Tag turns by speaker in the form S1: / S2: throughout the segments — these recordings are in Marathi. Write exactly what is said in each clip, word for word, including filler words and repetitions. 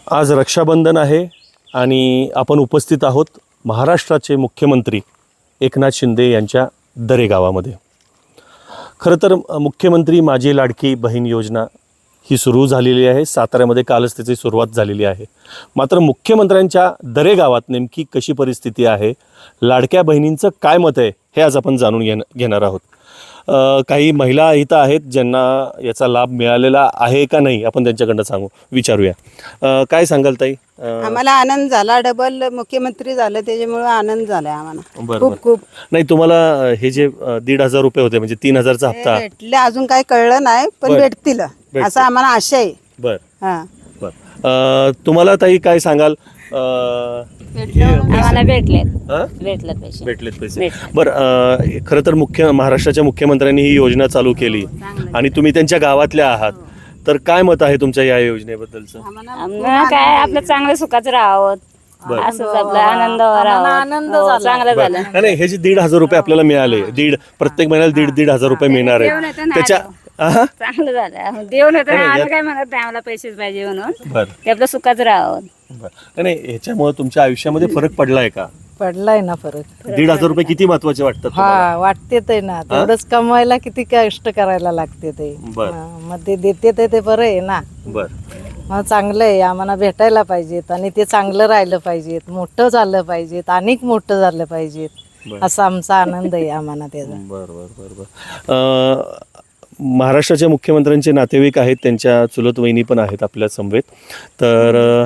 S1: आज रक्षाबंधन आहे आणि आपण उपस्थित आहोत महाराष्ट्राचे मुख्यमंत्री एकनाथ शिंदे यांच्या दरे गावामध्ये। खरं तर मुख्यमंत्री माझी लाडकी बहीण योजना ही सुरू झालेली आहे। साताऱ्यामध्ये कालच त्याची सुरुवात झालेली आहे। मात्र मुख्यमंत्र्यांच्या दरे गावात नेमकी कशी परिस्थिती आहे, लाडक्या बहिणींचं काय मत आहे, हे आज आपण जाणून घेण घेणार आहोत। काही महिला इथं आहेत ज्यांना याचा लाभ मिळालेला आहे का नाही आपण त्यांच्याकडनं सांगू विचारूया। काय सांगाल ताई?
S2: आम्हाला आनंद झाला, डबल मुख्यमंत्री झालं त्याच्यामुळे आनंद झाला आम्हाला खूप खूप।
S1: नाही तुम्हाला हे जे दीड हजार रुपये होते म्हणजे तीन हजारचा हप्ता
S2: भेटले अजून काही कळलं नाही पण भेटतील असं आम्हाला आशा आहे।
S1: बर
S2: हां
S1: बर तुम्हाला ताई काय सांगाल?
S3: आम्हाला भेटलेत भेटलेत पैसे
S1: भेटलेत पैसे बरं। खरं तर मुख्य महाराष्ट्राच्या मुख्यमंत्र्यांनी ही योजना चालू केली आणि तुम्ही त्यांच्या गावातल्या आहात, तर काय मत आहे तुमच्या या योजनेबद्दलचं?
S3: काय आपलं चांगलं सुखाचं राहावं असंच आपला आनंद आनंद चांगलं झालं।
S1: नाही हे जे दीड हजार रुपये आपल्याला मिळाले, दीड प्रत्येक महिन्याला दीड दीड हजार रुपये मिळणार आहेत त्याच्या
S3: चांगलं झालं। देऊन होतं आम्ही काय म्हणत नाही आम्हाला पैसेच पाहिजे म्हणून, ते आपलं सुखाचं राहावं।
S1: नाही ह्याच्यामुळे तुमच्या आयुष्यामध्ये फरक पडलाय का?
S4: पडलाय ना फरक।
S1: दीड हजार रुपये किती महत्वाचे वाटतात?
S4: हा वाटते ते ना, तेवढंच कमवायला किती कष्ट करायला लागते ते। मग ते देते ते ते बरं आहे ना।
S1: बर
S4: मग चांगलं आहे, आम्हाला भेटायला पाहिजेत आणि ते चांगलं राहिलं पाहिजेत, मोठं झालं पाहिजेत, अनेक मोठं झालं पाहिजेत, असा आमचा आनंद आहे आम्हाला त्याचा।
S1: बर बर बर बर महाराष्ट्राच्या मुख्यमंत्र्यांचे नातेवाईक आहेत, त्यांच्या चुलत वहिनी पण आहेत आपल्या समवेत, तर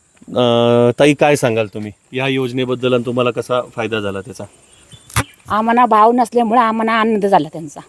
S1: ताई काय सांगाल तुम्ही या योजनेबद्दल आणि तुम्हाला कसा फायदा झाला त्याचा?
S5: आम्हाला भाव नसल्यामुळे आम्हाला आनंद झाला त्यांचा।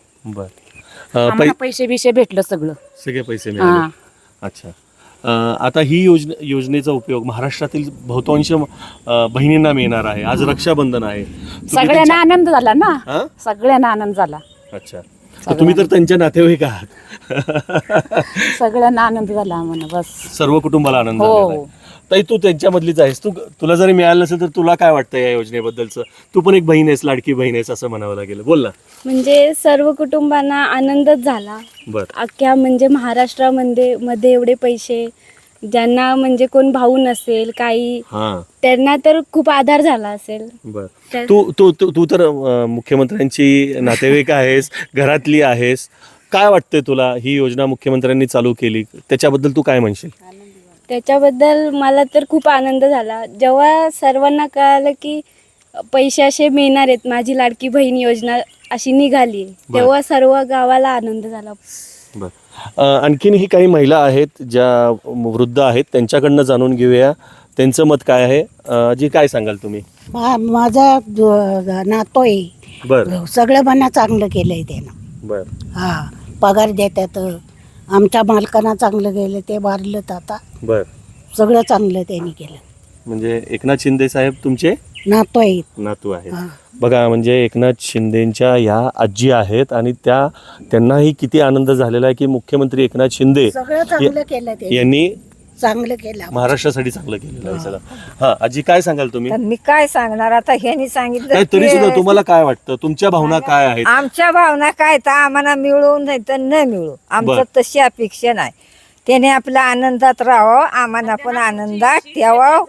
S1: बर
S5: पैसे बिशे भेटलं सगळं,
S1: सगळे पैसे मिळाले। अच्छा, आता ही योजना योजनेचा उपयोग महाराष्ट्रातील बहुतांश बहिणींना मिळणार आहे। आज रक्षाबंधन आहे,
S5: सगळ्यांना आनंद झाला ना, सगळ्यांना आनंद झाला।
S1: अच्छा, तुम्ही तर त्यांच्या नातेवाईक आहात।
S5: सगळ्यांना आनंद झाला आम्हाला, बस
S1: सर्व कुटुंबाला आनंद झाला। ताई तू त्यांच्यामधलीच आहेस, तू तुला जरी मिळालं नसेल तर तुला काय वाटतं या योजनेबद्दलचं? तू पण एक बहीण आहेस, लाडकी बहीण आहेस असं म्हणावं लागेल, बोल ना।
S6: म्हणजे सर्व कुटुंबांना आनंदच झाला।
S1: बरं,
S6: अख्ख्या म्हणजे महाराष्ट्रामध्ये मध्ये एवढे पैसे, ज्यांना म्हणजे कोण भाऊ नसेल काही त्यांना तर खूप आधार झाला असेल।
S1: बरं, तू तू तू तर मुख्यमंत्र्यांची नातेवाईक आहेस, घरातली आहेस, काय वाटतंय तुला ही योजना मुख्यमंत्र्यांनी चालू केली त्याच्याबद्दल तू काय म्हणशील?
S6: त्याच्याबद्दल मला तर खूप आनंद झाला जेव्हा सर्वांना कळालं की पैसे असे मिळणार आहेत, माझी लाडकी बहीण योजना अशी निघाली, तेव्हा सर्व गावाला आनंद झाला।
S1: बरं, आणखीनही काही महिला आहेत ज्या वृद्ध आहेत, त्यांच्याकडनं जाणून घेऊया त्यांचं मत काय आहे। जी काय सांगाल तुम्ही?
S2: माझा नातो आहे,
S1: बरं,
S2: सगळं मना चांगलं केलंय त्यानं।
S1: बरं,
S2: हा पगार देतात, आमच्या मालकांना चांगलं गेलं, ते वारलं आता।
S1: बरं,
S2: सगळं चांगलं त्यांनी केलं।
S1: म्हणजे एकनाथ शिंदे साहेब तुमचे
S2: नातो आहेत,
S1: नातू आहेत। बघा, म्हणजे एकनाथ शिंदेच्या या आजी आहेत आणि त्या त्यांनाही किती आनंद झालेला आहे की मुख्यमंत्री एकनाथ शिंदे
S2: सगळं चांगलं केलं ते,
S1: यांनी
S2: चांगलं केलं
S1: महाराष्ट्रासाठी चांगलं केलेलं आहे सगळं। हा आजी काय सांगाल तुम्ही?
S4: मी काय सांगणार आता, ह्यांनी सांगितलं
S1: तरी सुद्धा तुम्हाला काय वाटतं, तुमच्या भावना काय आहेत?
S4: आमच्या भावना काय तर आम्हाला मिळू नाही तर न मिळू, आमचं तशी अपेक्षा नाही। त्याने आपल्या आनंदात राहावं, आम्हाला पण आनंदात ठेवावं,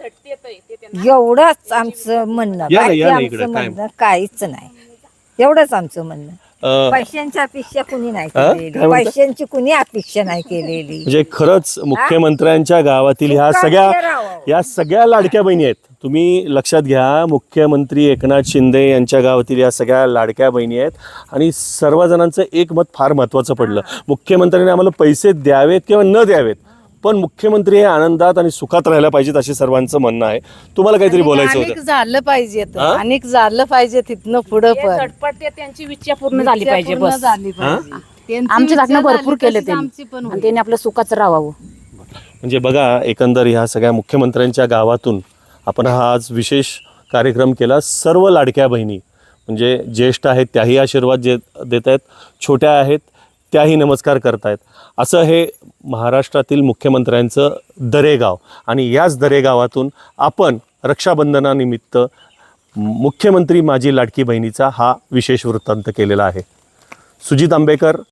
S4: एवढंच आमचं म्हणणं, बाकी आमचं म्हणणं काहीच नाही, एवढंच आमचं म्हणणं। पैशांची अपेक्षा कुणी नाही केलेली, पैशांची कुणी अपेक्षा नाही केलेली।
S1: म्हणजे खरंच मुख्यमंत्र्यांच्या गावातील ह्या सगळ्या या सगळ्या लाडक्या बहिणी आहेत, तुम्ही लक्षात घ्या, मुख्यमंत्री एकनाथ शिंदे यांच्या गावातील या सगळ्या लाडक्या बहिणी आहेत आणि सर्वजणांचं एक मत फार महत्त्वाचं पडलं, मुख्यमंत्र्यांनी आम्हाला पैसे द्यावेत किंवा न द्यावेत पण मुख्यमंत्री हे आनंदात आणि सुखात राहायला पाहिजेत असे सर्वांचं म्हणणं आहे। तुम्हाला काहीतरी बोलायचं होतं?
S4: झालं पाहिजे, अनेक झालं पाहिजे तिथनं पुढं, पण
S5: त्यांची इच्छा पूर्ण झाली पाहिजे, बस
S4: झाली पाहिजे।
S5: आमची घटना भरपूर केले त्यांनी आणि त्यांनी आपलं सुखाचं राहावं।
S1: म्हणजे बघा, एकंदर ह्या सगळ्या मुख्यमंत्र्यांच्या गावातून आपण हा आज विशेष कार्यक्रम केला। सर्व लाडक्या बहिणी म्हणजे ज्येष्ठ आहेत त्याही आशीर्वाद जे देत आहेत, छोट्या आहेत त्याही नमस्कार करतायत। असं हे महाराष्ट्रातील मुख्यमंत्र्यांचं दरेगाव आणि याच दरेगावातून आपण रक्षाबंधनानिमित्त मुख्यमंत्री माझी लाडकी बहिणीचा हा विशेष वृत्तांत केलेला आहे। सुजित आंबेकर,